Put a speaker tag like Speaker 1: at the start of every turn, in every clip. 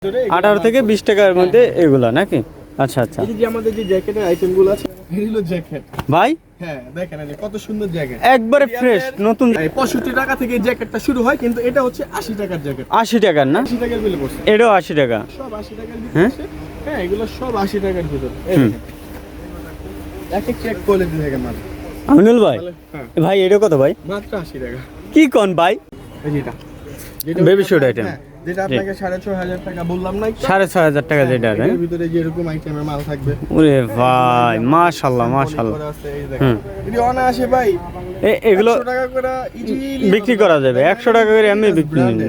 Speaker 1: 18 থেকে 20 টাকার মধ্যে এগুলা নাকি? আচ্ছা আচ্ছা।
Speaker 2: এই যে আমাদের যে জ্যাকেটের আইটেমগুলো আছে, এগুলো জ্যাকেট
Speaker 1: ভাই
Speaker 2: হ্যাঁ দেখেন এই কত সুন্দর জ্যাকেট,
Speaker 1: একবারে ফ্রেশ নতুন।
Speaker 2: 65 টাকা থেকে এই জ্যাকেটটা শুরু হয়, কিন্তু এটা হচ্ছে 80 টাকার জ্যাকেট।
Speaker 1: 80 টাকার না?
Speaker 2: 80 টাকার বিলে পড়ছে।
Speaker 1: এটাও 80 টাকা?
Speaker 2: সব 80 টাকার ভিতরে আছে। হ্যাঁ এগুলো সব 80 টাকার ভিতরে। এক এক কোয়ালিটি থেকে মাল।
Speaker 1: আমিনুল ভাই,
Speaker 2: হ্যাঁ
Speaker 1: ভাই এটা কত ভাই?
Speaker 2: মাত্র 80 টাকা।
Speaker 1: কি কোন ভাই?
Speaker 2: এই যেটা
Speaker 1: বেবি শুট আইটেম,
Speaker 2: যেটা আপনাকে 6500 টাকা বললাম না,
Speaker 1: 6500 টাকা যেটা আছে
Speaker 2: এর ভিতরে যে এরকম আইটেমের মাল থাকবে।
Speaker 1: ওরে ভাই মাশাআল্লাহ মাশাআল্লাহ।
Speaker 2: যদি অনায়াসে ভাই
Speaker 1: এগুলো
Speaker 2: 100 টাকা করে ইজিলি
Speaker 1: বিক্রি করা যাবে। 100 টাকা করে এমনি বিক্রি হবে।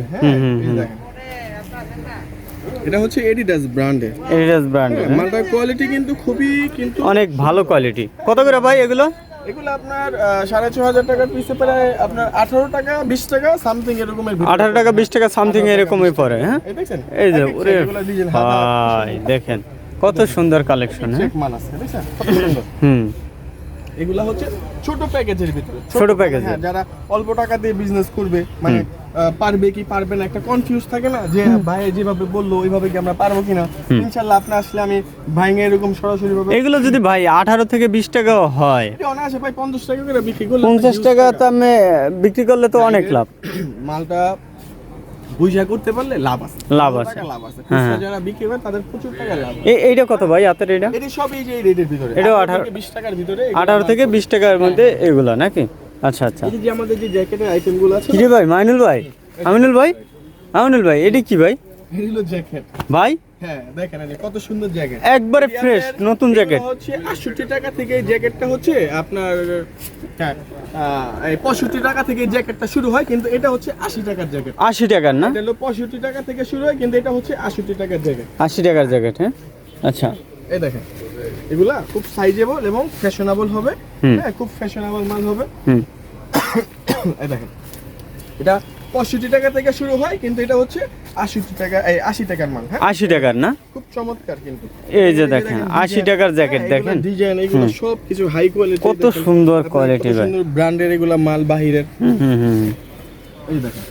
Speaker 2: এটা হচ্ছে এডিডাস ব্র্যান্ডের,
Speaker 1: এডিডাস ব্র্যান্ড।
Speaker 2: মালটার কোয়ালিটি কিন্তু খুবই
Speaker 1: অনেক ভালো কোয়ালিটি। কত করে ভাই এগুলো?
Speaker 2: এগুলো আপনার 6500 টাকার পিসে প্রায় আপনার 18 টাকা 20 টাকা সামথিং এরকমের ভিতরে।
Speaker 1: 18 টাকা 20 টাকা সামথিং এরকমই পড়ে। হ্যাঁ
Speaker 2: এই দেখেন,
Speaker 1: এই যে ওরে ভাই দেখেন কত সুন্দর কালেকশন। হ্যাঁ
Speaker 2: চেক মাল আছে দেখেন কত সুন্দর। এগুলা হচ্ছে ছোট প্যাকেজের ভিতরে,
Speaker 1: ছোট প্যাকেজ।
Speaker 2: হ্যাঁ যারা অল্প টাকা দিয়ে বিজনেস করবে, মানে পারবে কি পারবে না একটা কনফিউজ থাকে না, যে ভাই যেভাবে বললো ওইভাবে কি আমরা পারবো কিনা। ইনশাআল্লাহ আপনি আসলে আমি ভাইঙ্গা এরকম সরাসরি ভাবে।
Speaker 1: এগুলো যদি ভাই 18 থেকে 20 টাকাও হয়,
Speaker 2: অনায়াসে ভাই 50 টাকা করে বিক্রি করলে,
Speaker 1: 50 টাকা তো আমি বিক্রি করলে তো অনেক লাভ।
Speaker 2: মালটা বুঝা করতে পারলে লাভ আছে,
Speaker 1: লাভ আছে।
Speaker 2: খুচরা যারা বিক্রি করে তাদের প্রচুর টাকা লাভ।
Speaker 1: এইটা কত ভাই হাতের? এটা
Speaker 2: এটা সব এই যে এই রেটের ভিতরে,
Speaker 1: এটা
Speaker 2: 18 থেকে 20 টাকার ভিতরে,
Speaker 1: 18 থেকে 20 টাকার মধ্যে এগুলা নাকি? আচ্ছা আচ্ছা।
Speaker 2: এই যে আমাদের যে জ্যাকেটের আইটেমগুলো আছে।
Speaker 1: কি রে ভাই মাইনুল ভাই, আমিনুল ভাই, আমিনুল ভাই এটা কি ভাই?
Speaker 2: এগুলো জ্যাকেট
Speaker 1: ভাই
Speaker 2: হ্যাঁ দেখেন এই কত সুন্দর জ্যাকেট,
Speaker 1: একবারে ফ্রেশ নতুন জ্যাকেট।
Speaker 2: হচ্ছে 68 টাকা থেকে এই জ্যাকেটটা হচ্ছে আপনার, হ্যাঁ এই 65 টাকা থেকে এই জ্যাকেটটা শুরু হয়, কিন্তু এটা হচ্ছে 80 টাকার জ্যাকেট।
Speaker 1: 80 টাকার না?
Speaker 2: এটা হলো 65 টাকা থেকে শুরু হয়, কিন্তু এটা হচ্ছে 68 টাকার জ্যাকেট।
Speaker 1: 80 টাকার জ্যাকেট। হ্যাঁ আচ্ছা।
Speaker 2: এই দেখেন এগুলা খুব সাইজেবল এবং ফ্যাশনেবল হবে। হ্যাঁ খুব ফ্যাশনেবল মাল হবে। এই দেখেন এটা 65 টাকা থেকে শুরু হয়, কিন্তু এটা হচ্ছে 68 টাকা, এই 80 টাকার মাল। হ্যাঁ
Speaker 1: 80 টাকার না?
Speaker 2: খুব চমৎকার কিন্তু।
Speaker 1: এই যে দেখেন 80 টাকার জ্যাকেট দেখেন,
Speaker 2: ডিজাইন এগুলো সব কিছু হাই কোয়ালিটি,
Speaker 1: কত সুন্দর কোয়ালিটি ভাই,
Speaker 2: সুন্দর ব্র্যান্ডের এগুলা মাল বাহিরের। এই দেখেন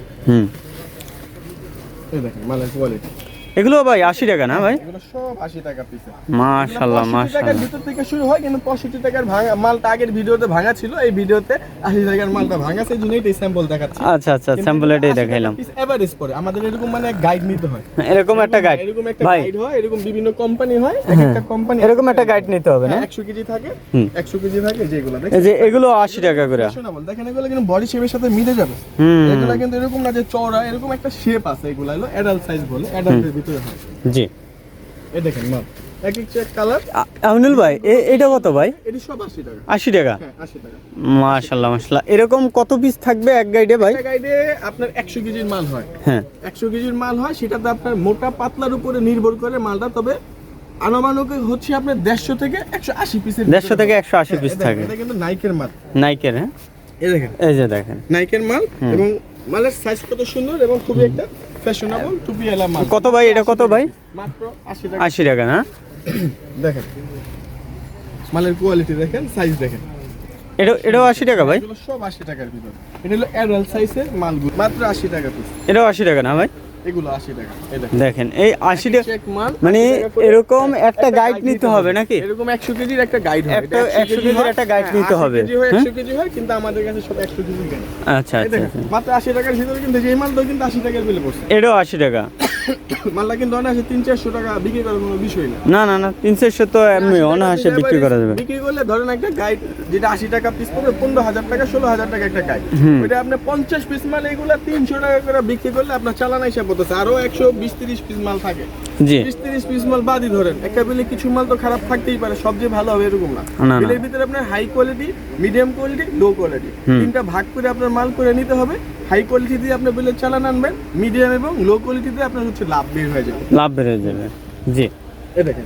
Speaker 2: এই দেখেন মালের কোয়ালিটি।
Speaker 1: এগুলো ভাই 80 টাকা না ভাই?
Speaker 2: এগুলো সব 80 টাকা পিস।
Speaker 1: মাশাআল্লাহ
Speaker 2: 80 টাকার
Speaker 1: মাশাআল্লাহ।
Speaker 2: ভিতর থেকে শুরু হয়, কিন্তু 65 টাকার ভাঙা মালটা আগের ভিডিওতে ভাঙা ছিল, এই ভিডিওতে 80 টাকার মালটা ভাঙা, সেই জন্য এই স্যাম্পল দেখাচ্ছি।
Speaker 1: আচ্ছা আচ্ছা, স্যাম্পল এটাই দেখাইলাম।
Speaker 2: এভারেজ পড়ে আমাদের এরকম মানে গাইড নিতে হয়,
Speaker 1: এরকম একটা গাইড
Speaker 2: এরকম একটা
Speaker 1: ভাই,
Speaker 2: গাইড হয়, এরকম বিভিন্ন কোম্পানি হয়, একটা কোম্পানি
Speaker 1: এরকম একটা গাইড নিতে হবে না?
Speaker 2: 100 কেজি থাকে, 100 কেজি থাকে যেগুলো দেখেন।
Speaker 1: এই যে এগুলো 80 টাকা করে।
Speaker 2: শোনাবল দেখেন এগুলো কিন্তু বডি শেপের সাথে মিলে যাবে। এগুলো কিন্তু এরকম না যে চওড়া, এরকম একটা শেপ আছে। এগুলো হলো অ্যাডাল্ট সাইজ বলে, অ্যাডাল্টের ভিতরে হয়।
Speaker 1: জি
Speaker 2: এই দেখেন মাল এক এক চেক কালার।
Speaker 1: আমিনুল ভাই এটা কত ভাই?
Speaker 2: এটি সব 80 টাকা।
Speaker 1: 80 টাকা?
Speaker 2: হ্যাঁ 80 টাকা।
Speaker 1: মাশাআল্লাহ মাশাআল্লাহ। এরকম কত পিস থাকবে এক গাইডে ভাই?
Speaker 2: এক গাইডে আপনার 100 কেজির মাল হয়।
Speaker 1: হ্যাঁ
Speaker 2: 100 কেজির মাল হয়, সেটাতে আপনার মোটা পাতলার উপরে নির্ভর করে মালটা, তবে আনুমানিক হচ্ছে আপনার 150 থেকে 180 পিসের,
Speaker 1: 150 থেকে 180 পিস থাকে।
Speaker 2: এটা কিন্তু নাইকের মাল,
Speaker 1: নাইকের। হ্যাঁ
Speaker 2: এই দেখেন
Speaker 1: এই যে দেখেন
Speaker 2: নাইকের মাল, এবং মালের সাইজ কত সুন্দর এবং খুবই একটা ফ্যাশনেবল টুপিওয়ালা মাল।
Speaker 1: কত ভাই এটা কত ভাই?
Speaker 2: মাত্র 80 টাকা।
Speaker 1: 80 টাকা না?
Speaker 2: দেখেন মালের কোয়ালিটি দেখেন, সাইজ দেখেন।
Speaker 1: এটাও 80 টাকা ভাই?
Speaker 2: এগুলো সব 80 টাকার ভিতর। এটা হলো অ্যাডাল্ট সাইজের মালগুলো, মাত্র 80 টাকা পিস।
Speaker 1: এটাও 80 টাকা না ভাই?
Speaker 2: এগুলো 80 টাকা। এই
Speaker 1: দেখেন এই 80 টাকা
Speaker 2: চেক মাল,
Speaker 1: মানে এরকম একটা গাইড নিতে হবে নাকি?
Speaker 2: এরকম 100 কেজির একটা গাইড হয়,
Speaker 1: একটা 100 কেজির একটা গাইড নিতে হবে।
Speaker 2: 100 কেজি হয়, কিন্তু আমাদের কাছে সব 100 কেজি গাইড।
Speaker 1: আচ্ছা আচ্ছা আচ্ছা।
Speaker 2: মাত্র 80 টাকার ভিতরে, কিন্তু এই মালটাও কিন্তু 80 টাকার বিলে পড়ছে।
Speaker 1: এটাও 80 টাকা?
Speaker 2: মালটা কিন্তু অনায়াসে 300-400 টাকা বিক্রি করার কোনো বিষয় না।
Speaker 1: না না না, 300 তো এমনি অনায়াসে বিক্রি করা যাবে।
Speaker 2: বিক্রি করলে ধরেন একটা গাইড যেটা 80 টাকা পিস পড়বে, 15,000 টাকা 16,000 টাকা একটা গাইড। ওইটা আপনি 50 পিস মাল এগুলা 300 টাকা করে বিক্রি করলে আপনার চালান হিসাব হতেছে আরো 120-30 পিস মাল থাকে।
Speaker 1: জি
Speaker 2: 20-30 পিস মাল বাদই ধরেন, একটা বিলে কিছু মাল তো খারাপ থাকতেই পারে, সব যে ভালো হবে এরকম না। বিলের ভিতরে আপনার high quality, medium quality, low quality, তিনটা ভাগ করে আপনার মাল করে নিতে হবে। হাই কোয়ালিটি দিয়ে আপনি বিলের চালান আনবেন, মিডিয়াম এবং লো কোয়ালিটি দিয়ে আপনার হচ্ছে লাভ বের হয়ে যাবে।
Speaker 1: লাভ বেড়ে যাবে। জি
Speaker 2: এই দেখেন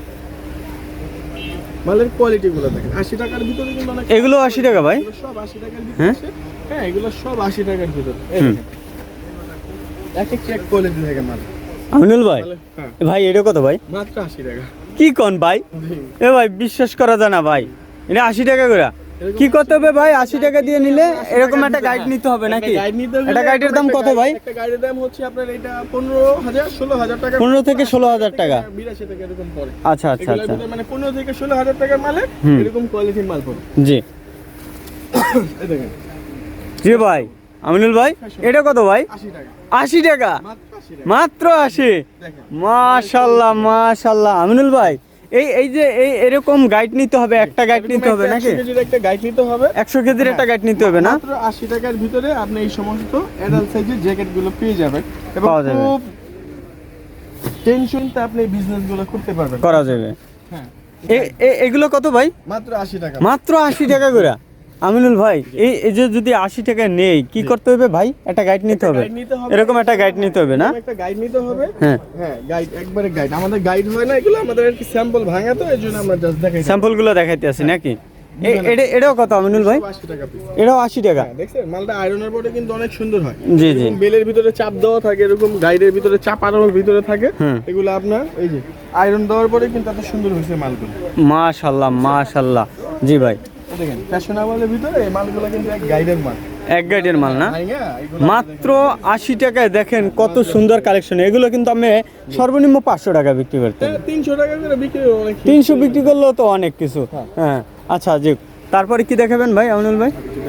Speaker 2: মালের কোয়ালিটি গুলো দেখেন, 80 টাকার ভিতরে কিন্তু অনেক।
Speaker 1: এগুলো 80 টাকা ভাই?
Speaker 2: এগুলো সব 80 টাকার ভিতরে আছে। হ্যাঁ এগুলো সব 80 টাকার ভিতরে। এই দেখেন এক এক চেক কোয়ালিটি থেকে মাল।
Speaker 1: আমিনুল ভাই,
Speaker 2: হ্যাঁ
Speaker 1: ভাই এটা কত ভাই?
Speaker 2: মাত্র 80 টাকা।
Speaker 1: কি কোন ভাই? এ ভাই বিশ্বাস করা যায় না ভাই, এটা 80 টাকা করে? কি করতে হবে ভাই 80 টাকা দিয়ে নিলে এরকম একটা গাইড নিতে হবে নাকি
Speaker 2: গাইড নিতে হবে।
Speaker 1: এটা গাইডের দাম কত ভাই
Speaker 2: একটা গাইডের দাম হচ্ছে আপনার এটা 15,000 16,000 টাকা
Speaker 1: 15 থেকে 16,000 টাকা
Speaker 2: 82 টাকা এরকম পড়ে।
Speaker 1: আচ্ছা আচ্ছা
Speaker 2: এগুলোর
Speaker 1: আচ্ছা
Speaker 2: ভিতরে মানে 15 থেকে 16,000 টাকার মালে এরকম কোয়ালিটির মাল পড়ে।
Speaker 1: জি
Speaker 2: এই দেখেন
Speaker 1: জি ভাই আমিনুল ভাই এটা কত ভাই
Speaker 2: 80 টাকা
Speaker 1: 80 টাকা
Speaker 2: মাত্র 80 টাকা।
Speaker 1: মাত্র 80
Speaker 2: দেখেন
Speaker 1: মাশাআল্লাহ মাশাআল্লাহ আমিনুল ভাই এই যে এরকম গাইড নিতে হবে একটা গাইড নিতে হবে নাকি
Speaker 2: 100 কেজির একটা গাইড নিতে হবে।
Speaker 1: 100 কেজির একটা গাইড নিতে হবে না
Speaker 2: মাত্র 80 টাকার ভিতরে আপনি এই সমস্ত অ্যাডাল্ট সাইজের জ্যাকেট গুলো পেয়ে যাবেন এবং
Speaker 1: পাওয়া যাবে।
Speaker 2: খুব টেনশনতে আপনি বিজনেস গুলো করতে পারবেন।
Speaker 1: করা যাবে
Speaker 2: হ্যাঁ
Speaker 1: এগুলো কত ভাই
Speaker 2: মাত্র 80 টাকা।
Speaker 1: মাত্র 80 টাকা করে আমিনুল ভাই এই যে যদি 80 টাকা নেই কি করতে হবে ভাই একটা গাইড নিতে হবে
Speaker 2: গাইড নিতে হবে।
Speaker 1: এরকম একটা গাইড নিতে হবে না
Speaker 2: এরকম একটা গাইড নিতে হবে।
Speaker 1: হ্যাঁ
Speaker 2: হ্যাঁ গাইড একবারে গাইড আমাদের গাইড হয় না এগুলো আমাদের আর কি স্যাম্পল ভাঙা তো এইজন্য আমরা জাস্ট দেখাই।
Speaker 1: স্যাম্পলগুলো দেখাইতে আছি নাকি এটাও কত আমিনুল ভাই
Speaker 2: 80 টাকা পিস।
Speaker 1: এটাও 80 টাকা
Speaker 2: হ্যাঁ দেখছেন মালটা আয়রনের পরে কিন্তু অনেক সুন্দর হয়।
Speaker 1: জি জি
Speaker 2: এরকম বেলের ভিতরে চাপ দেওয়া থাকে এরকম গাইডের ভিতরে চাপানোর ভিতরে থাকে
Speaker 1: হুম।
Speaker 2: এগুলো আপনার এই যে আয়রন দেওয়ার পরে কিন্তু এত সুন্দর হয়েছে মালগুলো।
Speaker 1: মাশাআল্লাহ মাশাআল্লাহ জি ভাই
Speaker 2: এই দেখেন ফ্যাশনেবলের ভিতরে এই মালগুলো কিন্তু এক গাইডের মাল।
Speaker 1: এক গাইডের মাল না
Speaker 2: ভাইঙ্গা এগুলো
Speaker 1: মাত্র 80 টাকায় দেখেন কত সুন্দর কালেকশন এগুলো কিন্তু আমি সর্বনিম্ন 500 টাকা বিক্রি করতাম
Speaker 2: 300 টাকা করে বিক্রি হয় অনেক।
Speaker 1: 300 বিক্রি করলেও তো অনেক কিছু হ্যাঁ আচ্ছা জি তারপরে কি দেখাবেন ভাই আমিনুল ভাই